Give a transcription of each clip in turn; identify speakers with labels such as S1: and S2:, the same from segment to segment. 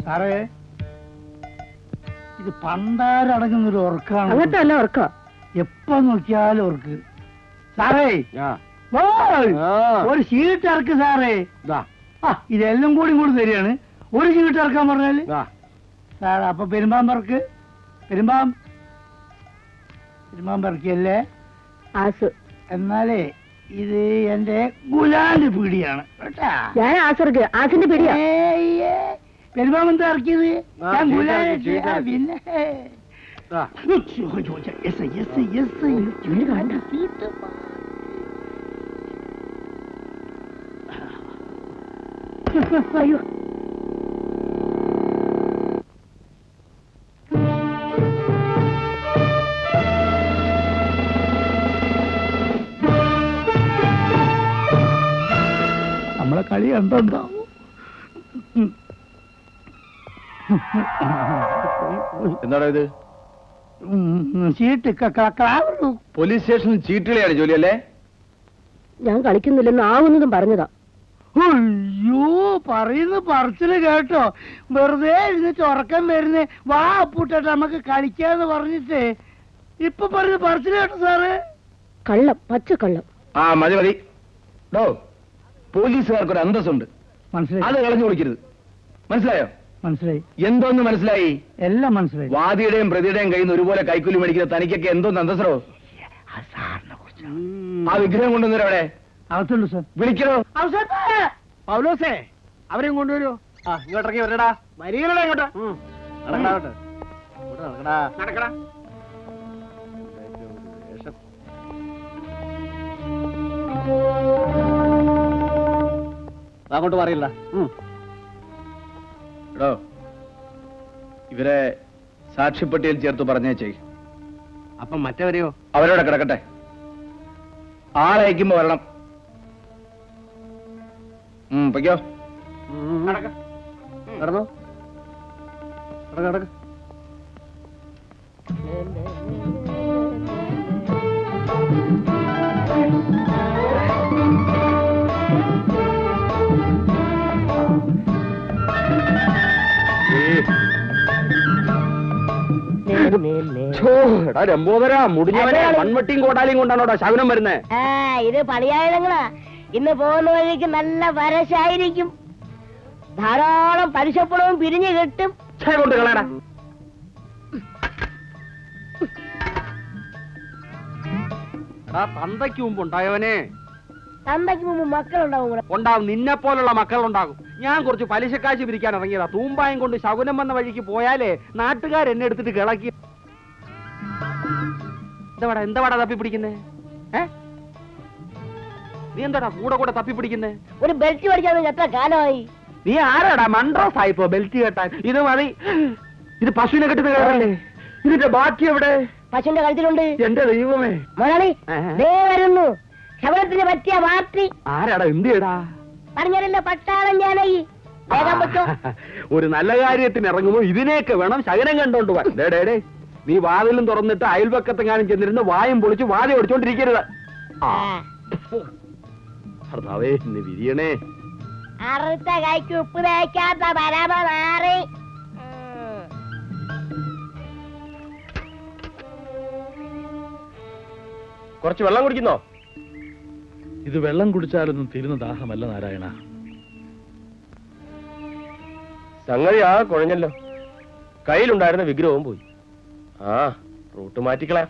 S1: സാറേ ഇത് പണ്ടാരടങ്ങുന്നൊരു ഉറക്കാണ്.
S2: അങ്ങനത്തെ ഉറക്ക
S1: എപ്പോ നോക്കിയാലും ഉറക്ക്. സാറേ ഒരു ഷീട്ട് ഇറക്ക് സാറേ. ഇതെല്ലാം കൂടി തരികയാണ്. ഒരു ഷീട്ട് ഇറക്കാൻ പറഞ്ഞാല് സാർ അപ്പൊ പെരുമ്പാമ്പറക്ക് പെരുമ്പാമ്പറക്കല്ലേ എന്നാലേ ഇത് എന്റെ ഗുലാന്റെ പീടിയാണ് കേട്ടാ.
S2: ഞാൻ ആസിന്റെ പീടിയാ.
S1: പെരുമ്പാമ്പെന്താ ഇറക്കിയത്? ഞാൻ ഗുലാനെ പിന്നെ
S2: അയ്യോ
S1: നമ്മളെ കളി കണ്ടുണ്ടാവും.
S3: എന്താണോ ഇത്?
S1: ചീട്ട്
S3: പോലീസ് സ്റ്റേഷനിൽ ചീട്ടുകളിയാണ് ജോലിയല്ലേ?
S2: ഞാൻ കളിക്കുന്നില്ലെന്ന് ആവുന്നതും പറഞ്ഞതാ.
S1: അയ്യോ പറയുന്ന പറച്ചില് കേട്ടോ. വെറുതെ ഇരുന്നിട്ട് ഉറക്കം വരുന്നേ. വാ അപ്പൂട്ടെ നമുക്ക് കളിക്കാന്ന് പറഞ്ഞിട്ട് ഇപ്പൊ പറഞ്ഞ പറച്ചില് കേട്ടോ സാറ്.
S2: കള്ളം, പച്ചക്കള്ളം.
S3: ആ മതി മതി. പോലീസുകാർക്കൊരു അന്തസ്സുണ്ട്, മനസ്സിലായി? അത് കളഞ്ഞു കൊടുക്കരുത്. മനസ്സിലായോ?
S1: മനസ്സിലായി.
S3: എന്തോന്ന് മനസ്സിലായി?
S1: എല്ലാം മനസ്സിലായി.
S3: വാദിയുടെയും പ്രതിയുടെയും കയ്യിൽ നിന്ന് ഒരുപോലെ കൈക്കൂലി മേടിക്കുന്ന തനിക്കൊക്കെ എന്തോന്ന് അന്തസ്സറോ? ആ വിഗ്രഹം കൊണ്ടുവന്നവരെ അവിടെ
S1: അകത്തുള്ളൂ സാർ.
S3: വിളിക്കണോ?
S1: പൗലോസേ അവരെയും കൊണ്ടുവരൂ.
S4: ഇങ്ങോട്ടേക്ക് വരടാ. മരികളെ ഇങ്ങോട്ട് നടക്കടാ. അങ്ങോട്ട് പറയില്ല.
S3: എടോ ഇവരെ സാക്ഷിപ്പട്ടിയിൽ ചേർത്ത് പറഞ്ഞേച്ചേ.
S4: അപ്പം മറ്റവരെയോ?
S3: അവരോടെ കിടക്കട്ടെ. ആളയക്കുമ്പോ വരണം. പൊയ്ക്കോ.
S4: നടന്നോ. നടക്ക്.
S3: രംബോദര മുടിഞ്ഞവനെ മൺവട്ടിയും കോട്ടാലിയും കൊണ്ടാണോടാ ശകുനം വരുന്നേ?
S2: ഇത് പണിയായുധങ്ങളാ. ഇന്ന് പോകുന്ന വഴിക്ക് നല്ല വരശായിരിക്കും. ധാരാളം പലിശപ്പണവും പിരിഞ്ഞു കിട്ടും.
S3: കൊണ്ട് കളയടാ.
S4: തന്തയ്ക്ക് മുമ്പ് ഉണ്ടായവനെ.
S2: തന്തയ്ക്ക് മുമ്പ് മക്കളുണ്ടാവും.
S4: ഉണ്ടാവും. നിന്നെ പോലുള്ള മക്കളുണ്ടാകും. ഞാൻ കുറച്ച് പലിശക്കാശ് പിരിക്കാൻ ഇറങ്ങിയതാ. തൂമ്പായം കൊണ്ട് ശകുനം വന്ന വഴിക്ക് പോയാലേ നാട്ടുകാരെന്നെ എടുത്തിട്ട് കിളക്കി. എന്താടാ തപ്പി പിടിക്കുന്നേ? നീ എന്താടാ കൂടെ തപ്പി പിടിക്കുന്നേ?
S2: ഒരു ബെൽറ്റ് പഠിക്കാൻ എത്ര കാലമായി?
S4: നീ ആരാടാ മൺട്രോസ് ആയിപ്പോ ബെൽറ്റ് കെട്ടാൻ? ഇത് മതി. ഇത് പശുവിനെ കെട്ടുന്ന കേട്ടല്ലേ? ഇതിന്റെ ബാക്കി എവിടെ?
S2: പശുവിന്റെ കഴുത്തിലുണ്ട്.
S4: എന്റെ ദൈവമേ.
S2: മുതലാളി വരുന്നു. ശബരത്തിന് പറ്റിയ പാർട്ടി.
S4: ആരാടാ? എന്തിയടാ?
S2: പറഞ്ഞല്ലോ പട്ടാളം ഞാനായി.
S4: ഒരു നല്ല കാര്യത്തിന് ഇറങ്ങുമ്പോ ഇതിനെയൊക്കെ വേണം ശകനം കണ്ടോണ്ട് പോവാൻ. ഡേ നീ വാതിലും തുറന്നിട്ട് അയൽപക്കത്തെങ്ങാനും ചെന്നിരുന്ന് വായും പൊളിച്ച് വാതി ഓടിച്ചോണ്ടിരിക്കരുത്. ഭർത്താവേ ഇന്ന് വിരിയണേ.
S2: അറുത്ത കൈക്ക് ഉപ്പ് തേക്കാത്ത പരമ നാറി.
S3: കുറച്ച് വെള്ളം കുടിക്കുന്നോ?
S5: ഇത് വെള്ളം കുടിച്ചാലൊന്നും തീരുന്ന ദാഹമല്ല നാരായണ.
S3: സംഗതി ആ കുഴഞ്ഞല്ലോ. കയ്യിലുണ്ടായിരുന്ന വിഗ്രഹവും പോയി. റൂട്ട് മാറ്റിക്കളയാ.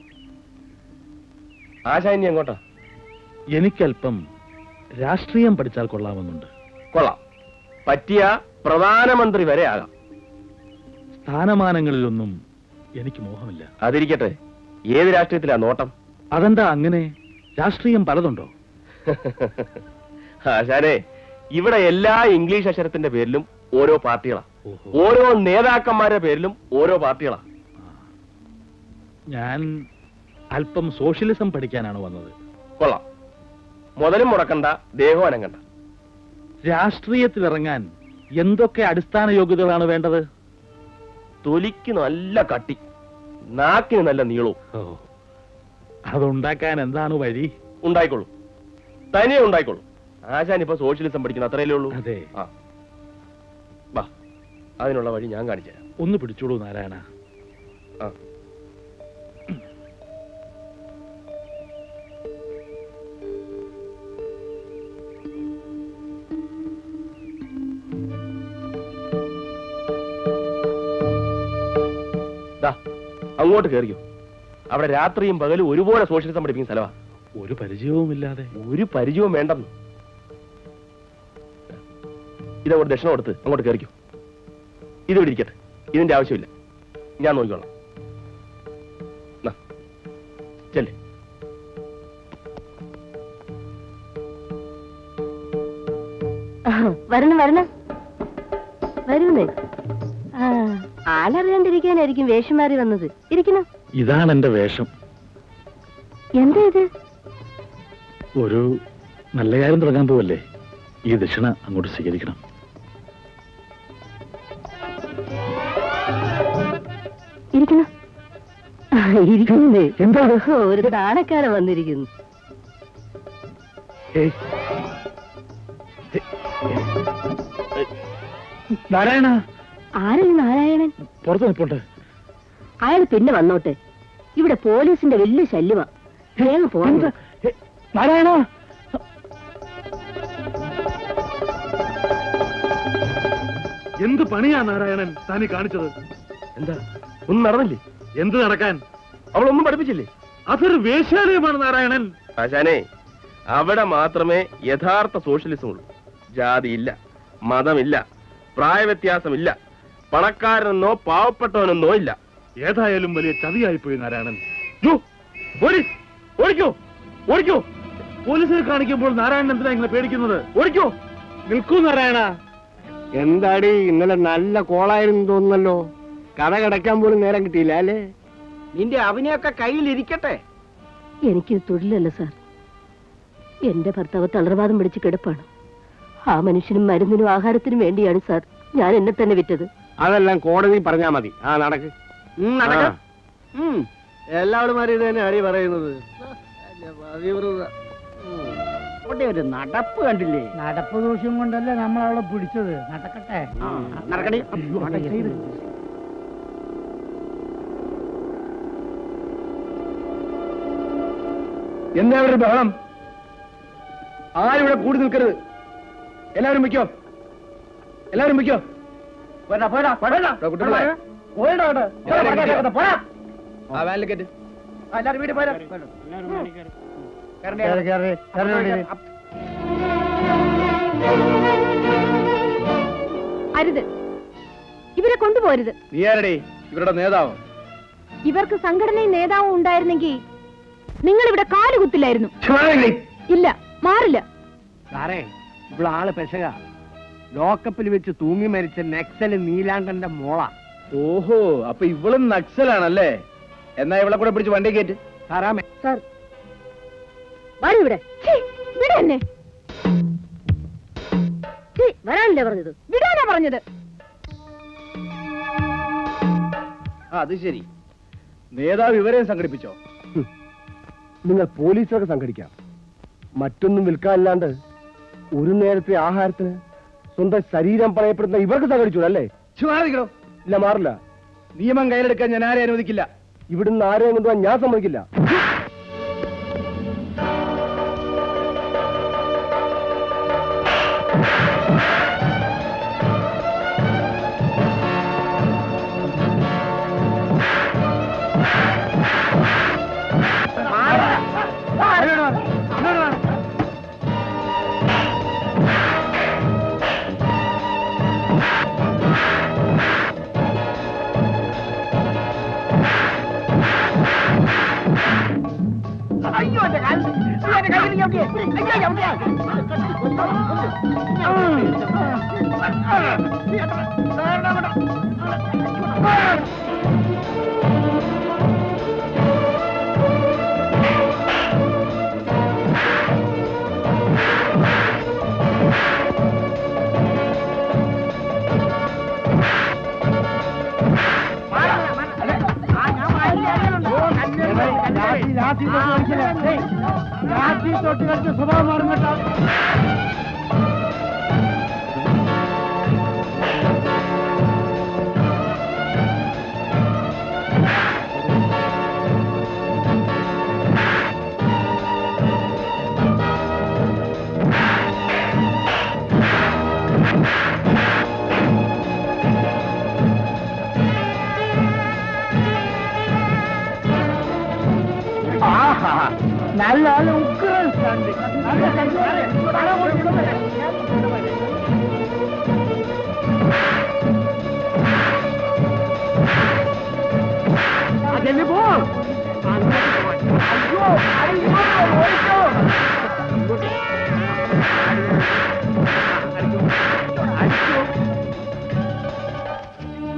S3: ആശാന്യ എങ്ങോട്ടാ?
S5: എനിക്കല്പം രാഷ്ട്രീയം പഠിച്ചാൽ കൊള്ളാമെന്നുണ്ട്.
S3: കൊള്ളാം. പറ്റിയ പ്രധാനമന്ത്രി വരെ ആകാം.
S5: സ്ഥാനമാനങ്ങളിലൊന്നും എനിക്ക് മോഹമില്ല.
S3: അതിരിക്കട്ടെ, ഏത് രാഷ്ട്രീയത്തിലാ നോട്ടം?
S5: അതെന്താ അങ്ങനെ? രാഷ്ട്രീയം പലതുണ്ടോ?
S3: ആശാനെ, ഇവിടെ എല്ലാ ഇംഗ്ലീഷ് അക്ഷരത്തിന്റെ പേരിലും ഓരോ പാർട്ടികളാ. ഓരോ നേതാക്കന്മാരുടെ പേരിലും ഓരോ പാർട്ടികളാ.
S5: ഞാൻ അല്പം സോഷ്യലിസം പഠിക്കാനാണ് വന്നത്.
S3: കൊള്ളാം. മുതലും മുടക്കണ്ട, ദേഹവും അനങ്ങണ്ട.
S5: രാഷ്ട്രീയത്തിലിറങ്ങാൻ എന്തൊക്കെ അടിസ്ഥാന യോഗ്യതകളാണ് വേണ്ടത്?
S3: തൊലിക്ക് നല്ല കട്ടി, നാക്കിന് നല്ല നീളവും.
S5: അതുണ്ടാക്കാൻ എന്താണ് വഴി?
S3: ഉണ്ടായിക്കോളൂ, തനിയെ ഉണ്ടായിക്കോളൂ. ആശാൻ ഇപ്പൊ സോഷ്യലിസം പഠിക്കുന്ന അത്രയല്ലേ ഉള്ളൂ.
S5: അതെ.
S3: അതിനുള്ള വഴി ഞാൻ കാണിച്ചു തരാം.
S5: ഒന്ന് പിടിച്ചോളൂ നാരായണ.
S3: ആ അങ്ങോട്ട് കയറിയോ. അവിടെ രാത്രിയും പകലും ഒരുപോലെ സോഷ്യലിസം പഠിപ്പിക്കുന്ന സ്ഥലമാണ്.
S5: ഒരു പരിചയവുമില്ലാതെ.
S3: ഒരു പരിചയവും വേണ്ടെന്ന്. ഇതവിടെ ദക്ഷിണ കൊടുത്ത് അങ്ങോട്ട് കയറിക്കോ. ഇത് ഇവിടെ ഇരിക്കട്ടെ, ഇതിന്റെ ആവശ്യമില്ല, ഞാൻ നോക്കിക്കോളാം. ചെല്ലേ.
S2: വരണം വരണം വരുന്നേ. ആളറിയാണ്ടിരിക്കാനായിരിക്കും വേഷം മാറി വന്നത്. ഇരിക്കണം.
S5: ഇതാണ് എന്റെ വേഷം.
S2: എന്താ ഇത്?
S5: ഒരു നല്ല കാര്യം തുടങ്ങാൻ പോവല്ലേ, ഈ ദക്ഷിണ അങ്ങോട്ട് സ്വീകരിക്കണം.
S2: ഇരിക്കണം. ഇരിക്കുന്നേ. എന്താ ഒരു താണക്കാരൻ വന്നിരിക്കുന്നു.
S5: നാരായണ.
S2: ആരല്ലേ നാരായണൻ?
S5: പുറത്ത് നിൽപ്പുണ്ട്.
S2: അയാൾ പിന്നെ വന്നോട്ടെ. ഇവിടെ പോലീസിന്റെ വലിയ ശല്യമാ. വേഗം പോകണ്ട.
S5: നാരായണ. എന്ത് പണിയാ നാരായണൻ താനി കാണിച്ചത്?
S3: എന്താ ഒന്നും നടന്നില്ലേ?
S5: എന്ത് നടക്കാൻ?
S3: അവളൊന്നും പഠിപ്പിച്ചില്ലേ?
S5: അതൊരു വേശ്യാലയമാണ് നാരായണൻ.
S3: ആശാനെ, അവിടെ മാത്രമേ യഥാർത്ഥ സോഷ്യലിസം ഉള്ളൂ. ജാതിയില്ല, മതമില്ല, പ്രായവ്യത്യാസമില്ല, പണക്കാരനെന്നോ പാവപ്പെട്ടവനെന്നോ ഇല്ല.
S5: ഏതായാലും വലിയ ചതിയായിപ്പോയി നാരായണൻ.
S3: ഓടിക്കോ ഓടിക്കോ.
S5: പോലീസിനെ കാണിക്കുമ്പോൾ നാരായണൻ എന്തിനാ ഇങ്ങനെ പേടിക്കുന്നത്?
S3: ഓടിക്കോ.
S5: നിൽക്കൂ നാരായണ.
S4: എന്താടി ഇന്നലെ നല്ല കോളായിരുന്നു തോന്നുന്നല്ലോ. കഥ കിടക്കാൻ പോലും നേരം കിട്ടിയില്ല അല്ലേ? നിന്റെ അവനെയൊക്കെ കയ്യിലിരിക്കട്ടെ.
S2: എനിക്ക് തൊഴിലല്ല സാർ. എന്റെ ഭർത്താവ് തളർവാദം പിടിച്ച് കിടപ്പാണ്. ആ മനുഷ്യനും മരുന്നിനും ആഹാരത്തിനും വേണ്ടിയാണ് സാർ ഞാൻ എന്നെ തന്നെ വിറ്റത്.
S4: അതെല്ലാം കോടതി പറഞ്ഞാ മതി. ആ നടക്ക്. എല്ലാവരുമാരും ഇത് തന്നെ അടി പറയുന്നത്. ഒരു നടപ്പ് കണ്ടില്ലേ?
S1: നടപ്പ് ദൂഷ്യം കൊണ്ടല്ലേ നമ്മൾ അവളെ പിടിച്ചത്. നടക്കട്ടെ.
S4: നടക്കണേ. എന്താ ഒരു ബഹളം? ആരും ഇവിടെ കൂടി നിൽക്കരുത്. എല്ലാവരും വയ്ക്കോ. എല്ലാവരും വയ്ക്കോ.
S2: അരുത്, ഇവരെ കൊണ്ടുപോരുത്.
S4: നീ ആരടേ ഇവരുടെ നേതാവ്?
S2: ഇവർക്ക് സംഘടനയും നേതാവും ഉണ്ടായിരുന്നെങ്കിൽ നിങ്ങൾ ഇവിടെ കാലുകുത്തില്ലായിരുന്നു. ഇല്ല, മാറില്ല.
S4: സാറേ, ഇവിടെ ആള് പെശക. ലോക്കപ്പിൽ വെച്ച് തൂങ്ങി മരിച്ച നക്സല് നീലാണ്ടന്റെ മോള.
S3: ഓഹോ, അപ്പൊ ഇവളും നക്സലാണല്ലേ? എന്നാ ഇവളെ കൂടെ പിടിച്ച് വണ്ടി കയറ്റ്.
S4: സാറാമേ.
S2: സാർ വരൂ. ഇവിടെ ഇവിടെ തന്നെ വരാനല്ലേ പറഞ്ഞത്? വിടാനാ പറഞ്ഞത്.
S3: അത് ശരി, നേതാവ് ഇവരെയും സംഘടിപ്പിച്ചോ?
S4: നിങ്ങൾ പോലീസൊക്കെ സംഘടിക്കാം. മറ്റൊന്നും വിൽക്കാനില്ലാണ്ട് ഒരു നേരത്തെ ആഹാരത്തിന് സ്വന്തം ശരീരം പണയപ്പെടുന്ന ഇവർക്ക് സംഘടിച്ചു അല്ലേ? ഇല്ല, മാറില്ല.
S3: നിയമം കയ്യിലെടുക്കാൻ ഞാൻ ആരെ അനുവദിക്കില്ല.
S4: ഇവിടുന്ന് ആരെയും കൊണ്ടുപോകാൻ ഞാൻ സമ്മതിക്കില്ല. തൊട്ട് കളിച്ച സ്വഭാവം മാറും കേട്ടോ.
S1: നല്ല ഉഗ്രൻ stand. നല്ല stand. സാറേ, അതെന്നെ പോ. അയ്യോ, അയ്യോ, ഓടിക്കോ.